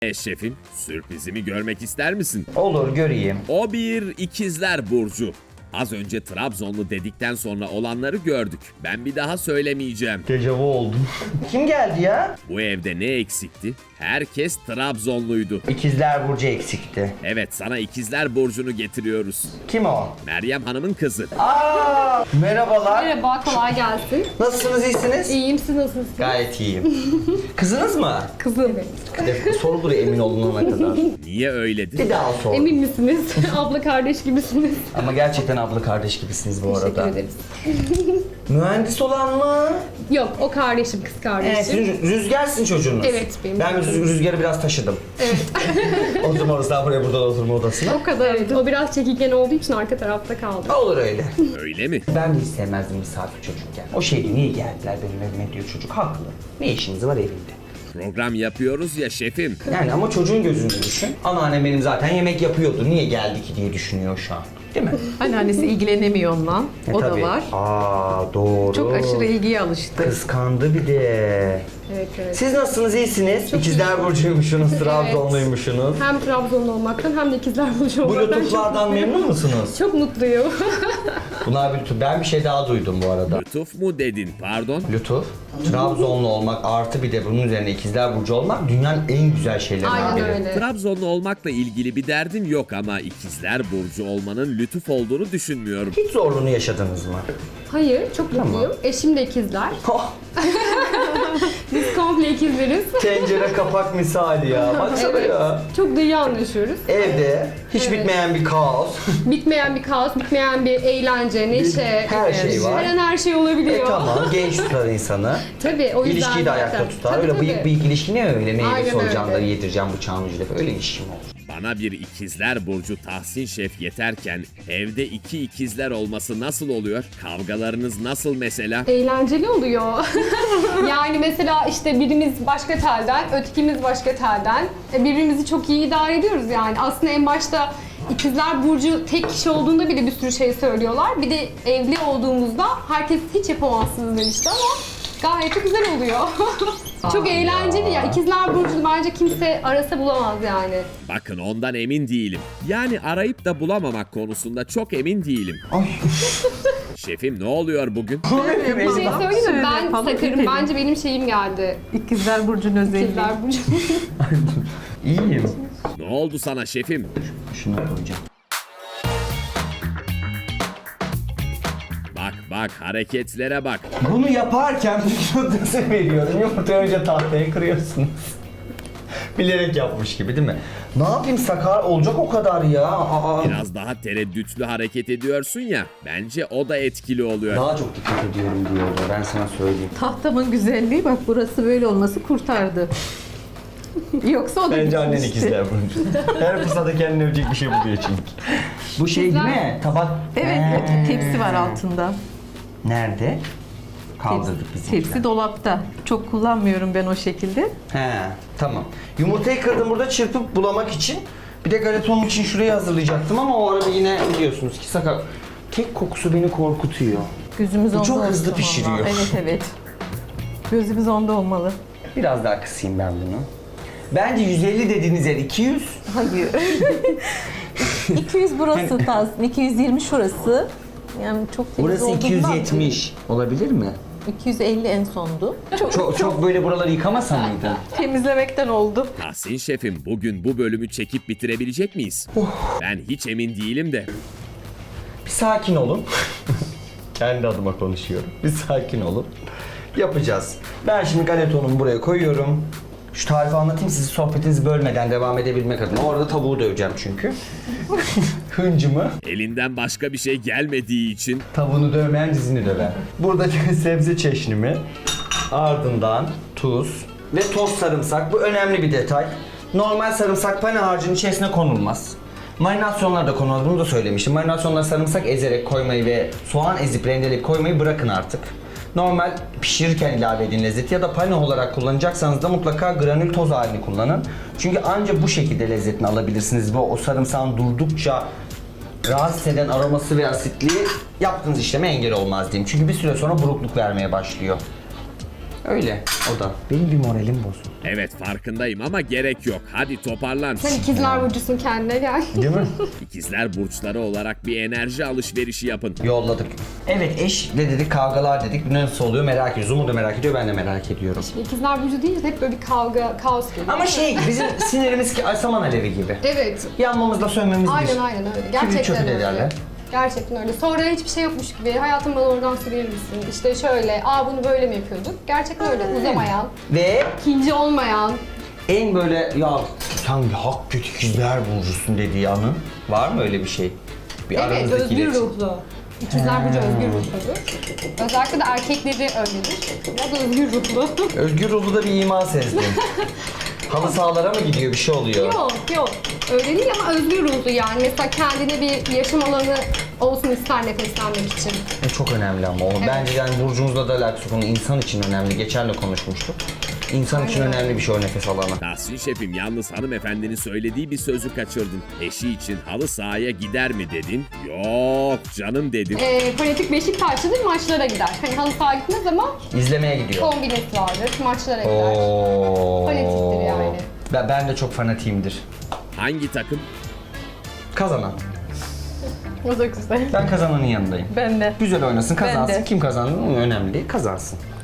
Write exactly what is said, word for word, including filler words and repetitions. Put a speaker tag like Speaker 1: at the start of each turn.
Speaker 1: E şefim, sürprizimi görmek ister misin?
Speaker 2: Olur, göreyim.
Speaker 1: O bir ikizler burcu. Az önce Trabzonlu dedikten sonra olanları gördük. Ben bir daha söylemeyeceğim.
Speaker 2: Dejavu oldum. Kim geldi ya?
Speaker 1: Bu evde ne eksikti? Herkes Trabzonluydu.
Speaker 2: İkizler Burcu eksikti.
Speaker 1: Evet, sana ikizler burcunu getiriyoruz.
Speaker 2: Kim o?
Speaker 1: Meryem Hanım'ın kızı.
Speaker 2: Aa, merhabalar.
Speaker 3: Merhaba, kolay gelsin.
Speaker 2: Nasılsınız, iyisiniz?
Speaker 3: İyiyim, siz nasılsınız?
Speaker 2: Gayet iyiyim. Kızınız mı?
Speaker 3: Kızım.
Speaker 2: Evet. Sorulur emin olunana kadar.
Speaker 1: Niye öyledir?
Speaker 2: Bir daha sor.
Speaker 3: Emin misiniz? Abla kardeş gibisiniz.
Speaker 2: Ama gerçekten abla kardeş gibisiniz bu
Speaker 3: Teşekkür
Speaker 2: arada.
Speaker 3: ederiz.
Speaker 2: Mühendis olan mı?
Speaker 3: Yok, o kardeşim, kız
Speaker 2: Evet,
Speaker 3: kardeşim.
Speaker 2: sizin Rüzgar'sın çocuğunuz.
Speaker 3: Evet, benim
Speaker 2: Ben
Speaker 3: çocuğum.
Speaker 2: Rüz- Rüzgar'ı biraz taşıdım.
Speaker 3: Evet.
Speaker 2: Oturma odasından buraya, buradan oturma odasına.
Speaker 3: O kadar. Evet, o biraz çekingen olduğu için arka tarafta kaldı.
Speaker 2: Olur öyle.
Speaker 1: Öyle mi?
Speaker 2: Ben de hiç sevmezdim misafir çocukken. O şeydi, niye geldiler benim evime diyor çocuk. Haklı. Ne işiniz var evimde?
Speaker 1: Program yapıyoruz ya şefim.
Speaker 2: Yani ama çocuğun gözünde düşün. Anneannem benim zaten yemek yapıyordu. Niye geldi ki diye düşünüyor şu an. Değil mi?
Speaker 4: Anneannesi ilgilenemiyor onunla.
Speaker 2: E,
Speaker 4: o
Speaker 2: tabii.
Speaker 4: da var.
Speaker 2: Aa, doğru.
Speaker 4: Çok aşırı ilgiye alıştı.
Speaker 2: Kıskandı bir de.
Speaker 3: Evet, evet.
Speaker 2: Siz nasılsınız, iyisiniz?
Speaker 3: Çok
Speaker 2: İkizler
Speaker 3: iyiyim.
Speaker 2: Burcu'ymuşsunuz, Trabzonluymuşsunuz.
Speaker 3: Hem Trabzonlu olmaktan hem de ikizler burcu
Speaker 2: Bu
Speaker 3: olmaktan
Speaker 2: lütuflardan
Speaker 3: çok
Speaker 2: memnun musunuz?
Speaker 3: Çok mutluyum.
Speaker 2: Bunlar bir lütuf. Ben bir şey daha duydum bu arada.
Speaker 1: Lütuf mu dedin, pardon?
Speaker 2: Lütuf, Trabzonlu olmak artı bir de bunun üzerine ikizler burcu olmak dünyanın en güzel şeylerinden
Speaker 3: Aynen
Speaker 2: biri.
Speaker 3: öyle.
Speaker 1: Trabzonlu olmakla ilgili bir derdim yok ama ikizler burcu olmanın lütuf olduğunu düşünmüyorum.
Speaker 2: Hiç zorluğunu yaşadınız mı?
Speaker 3: Hayır, çok
Speaker 2: Tamam.
Speaker 3: mutluyum. Eşim de ikizler.
Speaker 2: Oh,
Speaker 3: Biz komple ikizleriz.
Speaker 2: tencere kapak misali ya. Baksana
Speaker 3: Evet.
Speaker 2: ya.
Speaker 3: Çok da iyi anlaşıyoruz.
Speaker 2: Evde hiç
Speaker 3: Evet.
Speaker 2: bitmeyen bir kaos.
Speaker 3: Bitmeyen bir kaos, bitmeyen bir eğlence, neşe.
Speaker 2: Her şey var.
Speaker 3: Her an her şey olabiliyor.
Speaker 2: E tamam, genç tutar insanı.
Speaker 3: Tabii, o yüzden
Speaker 2: İlişkiyi de
Speaker 3: zaten.
Speaker 2: ayakta tutar.
Speaker 3: Tabii,
Speaker 2: öyle
Speaker 3: tabii.
Speaker 2: bıyık bıyık ilişki ne öyle? Meyve
Speaker 3: Aynen
Speaker 2: soracağım da
Speaker 3: öyle.
Speaker 2: yedireceğim bıçağın ucuyla. Öyle ilişki mi olur?
Speaker 1: Bana bir ikizler burcu Tahsin Şef yeterken evde iki ikizler olması nasıl oluyor? Kavgalarınız nasıl mesela?
Speaker 3: Eğlenceli oluyor. Yani mesela işte birimiz başka telden, ötekimiz başka telden. E, Birbirimizi çok iyi idare ediyoruz yani. Aslında en başta ikizler burcu tek kişi olduğunda bile bir sürü şey söylüyorlar. Bir de evli olduğumuzda herkes hiç yapamazsınız demişti ama gayet de güzel oluyor. Çok eğlenceli ya. İkizler burcu bence kimse arasa bulamaz yani.
Speaker 1: Bakın ondan emin değilim. Yani arayıp da bulamamak konusunda çok emin değilim.
Speaker 2: Ay.
Speaker 1: Şefim ne oluyor bugün?
Speaker 3: Bir şey söyleyeyim mi?
Speaker 4: Şöyle
Speaker 3: Ben
Speaker 4: yapalım,
Speaker 3: sakarım.
Speaker 4: gidelim.
Speaker 3: Bence benim şeyim geldi.
Speaker 4: İkizler Burcu'nun özelliği.
Speaker 3: İkizler burcu.
Speaker 2: İyiyim.
Speaker 1: Ne oldu sana şefim?
Speaker 2: Şunu koyacağım.
Speaker 1: Bak bak hareketlere bak.
Speaker 2: Bunu yaparken yumurtası veriyorum. Yumurtayı önce tahtaya kırıyorsunuz. Bilerek yapmış gibi değil mi? Ne yapayım, sakar olacak o kadar ya. Aa.
Speaker 1: Biraz daha tereddütlü hareket ediyorsun ya. Bence o da etkili oluyor.
Speaker 2: Daha çok dikkat ediyorum diyordu, ben sana söyleyeyim.
Speaker 4: Tahtamın güzelliği bak, burası böyle olması kurtardı. Yoksa o da
Speaker 2: Bence annen
Speaker 4: gitmişti.
Speaker 2: ikizler Burcu. Her fırsatta kendine övecek bir şey buluyor çünkü. Bu şey değil mi? Tabak.
Speaker 4: Evet,
Speaker 2: Ee,
Speaker 4: tepsi var altında.
Speaker 2: Nerede? Kaldırdık biz.
Speaker 4: Tepsi dolapta. Çok kullanmıyorum ben o şekilde.
Speaker 2: He, tamam. Yumurtayı kırdım burada çırpıp bulamak için. Bir de galetonun için şurayı hazırlayacaktım ama o arada yine biliyorsunuz ki sakar. Kek kokusu beni korkutuyor.
Speaker 4: Gözümüz
Speaker 2: Bu
Speaker 4: onda
Speaker 2: çok
Speaker 4: olsun
Speaker 2: hızlı
Speaker 4: valla.
Speaker 2: pişiriyor.
Speaker 4: Evet evet. Gözümüz onda olmalı.
Speaker 2: Biraz daha kısayım ben bunu. Bence yüz elli dediğiniz yer iki yüz.
Speaker 4: Hayır. iki yüz burası Tahsin, iki yüz yirmi şurası. Yani çok temiz
Speaker 2: Burası
Speaker 4: olduğundan
Speaker 2: iki yüz yetmiş. Olabilir mi?
Speaker 4: iki yüz elli en sondu. Çok,
Speaker 2: Çok çok böyle buraları yıkamasa mıydı?
Speaker 4: temizlemekten oldu.
Speaker 1: Tahsin Şefim bugün bu bölümü çekip bitirebilecek miyiz? Ben hiç emin değilim de.
Speaker 2: Bir sakin olun. Kendi adıma konuşuyorum. Bir sakin olun. Yapacağız. Ben şimdi galetonumu buraya koyuyorum. Şu tarifi anlatayım, sizi sohbetinizi bölmeden devam edebilmek adına. Orada tavuğu döveceğim çünkü. Hıncımı.
Speaker 1: Elinden başka bir şey gelmediği için
Speaker 2: Tavuğunu dövmeyen dizini döver. Buradaki sebze çeşnimi. Ardından tuz ve toz sarımsak. Bu önemli bir detay. Normal sarımsak pane harcının içerisine konulmaz. Marinasyonlar da konulmaz. Bunu da söylemiştim. Marinasyonlar sarımsak ezerek koymayı ve soğan ezip rendeleyip koymayı bırakın artık. Normal pişirirken ilave edin lezzeti ya da pane olarak kullanacaksanız da mutlaka granül toz halini kullanın. Çünkü ancak bu şekilde lezzetini alabilirsiniz ve o sarımsağın durdukça rahatsız eden aroması ve asitliği yaptığınız işleme engel olmaz diyeyim. Çünkü bir süre sonra burukluk vermeye başlıyor. Öyle o da. Benim bir moralim bozuldu.
Speaker 1: Evet farkındayım ama gerek yok. Hadi toparlan.
Speaker 3: Sen ikizler burcusun, kendine gel.
Speaker 2: Değil mi?
Speaker 1: İkizler burçları olarak bir enerji alışverişi yapın.
Speaker 2: Yolladık. Evet eşle dedik, kavgalar dedik. Nasıl oluyor merak ediyoruz. Umut da merak ediyor, ben de merak ediyorum.
Speaker 3: İkizler burcu deyince de hep böyle bir kavga, kaos geliyor.
Speaker 2: Ama şey bizim sinirimiz ki saman alevi gibi.
Speaker 3: Evet.
Speaker 2: Yanmamızla sönmemiz bir.
Speaker 3: Aynen aynen öyle.
Speaker 2: Kibrit
Speaker 3: Gerçekten
Speaker 2: çöpü de
Speaker 3: öyle.
Speaker 2: derler.
Speaker 3: Gerçekten öyle. Sonra hiçbir şey yokmuş gibi hayatım bana oradan su verir misin? İşte şöyle, aa bunu böyle mi yapıyorduk? Gerçekten öyle. Uzamayan,
Speaker 2: Ve
Speaker 3: ikinci olmayan.
Speaker 2: en böyle ya sen bir hak kötü ikizler burcusun dediği anın var mı öyle bir şey? Bir
Speaker 3: Evet,
Speaker 2: aranızdaki
Speaker 3: özgür
Speaker 2: iletişim.
Speaker 3: ruhlu. İkizler burcu özgür ruhludur. Özellikle de erkekleri öyledir. O da özgür ruhlu.
Speaker 2: Özgür ruhlu da bir iman sezdim. Halı sahalara mı gidiyor, bir şey oluyor?
Speaker 3: Yok yok. Öyle değil ama özgür ruhlu yani. Mesela kendine bir yaşam alanı olsun ister nefeslenmek için.
Speaker 2: E, çok önemli ama o. Bence yani burcunuzla da alakası konu insan için önemli. Geçen de konuşmuştuk. İnsan için
Speaker 3: Aynen.
Speaker 2: önemli bir şey o nefes alanı.
Speaker 1: Tahsin şefim yalnız hanımefendinin söylediği bir sözü kaçırdın. Eşi için halı sahaya gider mi dedin? Yok canım dedim.
Speaker 3: Ee, fanatik Beşiktaşlıdır, maçlara gider. Hani halı saha gitmez ama
Speaker 2: İzlemeye gidiyor.
Speaker 3: kombinesi vardır, maçlara gider.
Speaker 2: Oo.
Speaker 3: Fanatiktir yani.
Speaker 2: Ben, ben de çok fanatiyimdir.
Speaker 1: Hangi takım?
Speaker 2: Kazanan.
Speaker 3: O da güzel.
Speaker 2: Ben kazananın yanındayım.
Speaker 4: Ben de.
Speaker 2: Güzel oynasın, kazansın.
Speaker 4: Ben de.
Speaker 2: Kim kazandı önemli değil, kazansın.